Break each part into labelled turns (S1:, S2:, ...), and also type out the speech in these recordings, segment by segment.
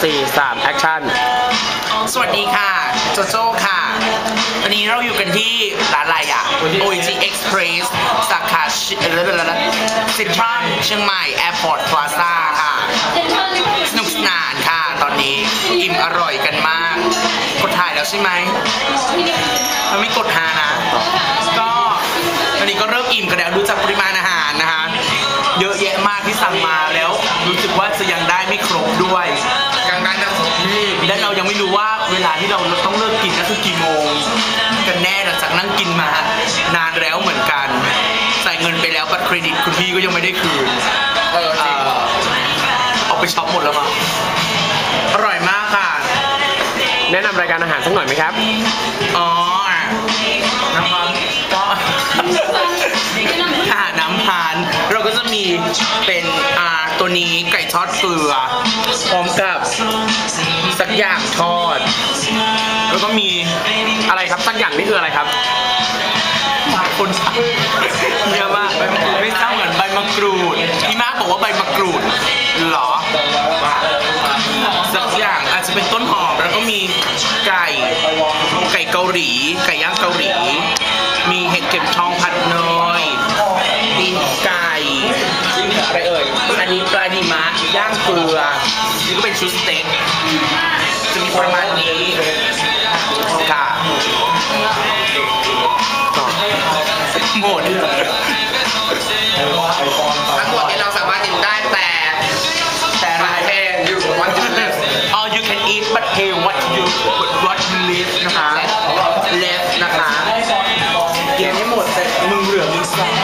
S1: 4 3 แอคชั่น
S2: สวัสดีค่ะโจโจ้ค่ะวันนี้เราอยู่กันที่ร้านอะไรอ่ะ OG Express สาขาเซ็นทรัลเชียงใหม่ Airport Plaza ค่ะสนุกสนานค่ะตอนนี้อิ่มอร่อยกันมากกดถ่ายแล้วใช่ไหมมันไม่กดหานะก็ตอนนี้ก็เริ่มอิ่มกันแล้วดูจากปริมาณอาหารนะคะเยอะแยะมากที่สั่งมาแล้วรู้สึกว่าจะยังได้ไม่ครบด้วยยังได้ไม่ครบนี่และเรายังไม่รู้ว่าเวลาที่เราต้องเลิกกินนั่นคือกี่โมงกันแน่หลังจากนั่งกินมานานแล้วเหมือนกันใส่เงินไปแล้วบัตรเครดิตคุณพี่ก็ยังไม่ได้คืนเอาไปช็อปหมดแล้วมั้งอร่อยมากค่ะ
S1: แนะนำรายการอาหารสักหน่อยไหมครับ
S2: อ๋อนะครับก็อาหารน้ำพานเราก็จะมีเป็นตัวนี้ไก่ทอดเกลือพร้อมกับสักอย่างทอดแล้วก็มี
S1: อะไรครับสักอย่างนี่คืออะไรครับ
S2: คนเยอะมากไม่ทราบเหมือนใบมะกรูดพี่มากบอกว่าใบมะกรูดหรอสักอย่างอาจจะเป็นต้นหอมแล้วก็มีไก่เกาหลีไก่ย่างเกาหลีมีเห็ดเข็มทองผัดเนยตีนไก่อะไรเอ่ยอันนี้ปลาดิมะย่างเกลือนี่ก็เป็นชุดสเต็กจะมีประมาณนี้ค่ะหมดทั้งหมดนี้เราสามารถกินได้แต่ราคาอยู่วันจุดall you can eat but pay what you live นะคะleft นะคะกินให้หมดแต่มึงเหลือมึงสั่ง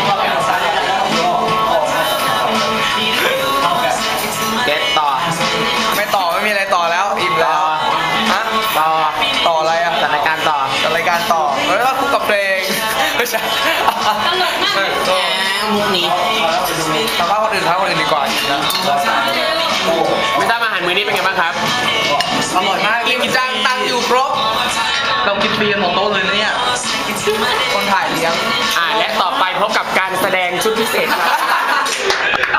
S2: เก็ตต่อไม่ต่อไม่มีอะไรต่อแล้วอิ่มแล้วฮะต่ออะไรอ่ะจัดรายการต่อแล้วก็คู่กับเพลงไม่ใช่ตลกมากมุกนี้ทำว่าคนอื่นดีกว่านะ
S1: ไม่ทราบอาหารมื้อนี้เป็นไงบ้างครับ
S2: อร่อยมากกินจังตังอยู่ครบเรากินฟรีกันหมดโต๊ะเลยนะเนี่ยคนถ่ายเลี้ยง
S1: และต่อไปพบกับการแสดงชุดพิเศษครับ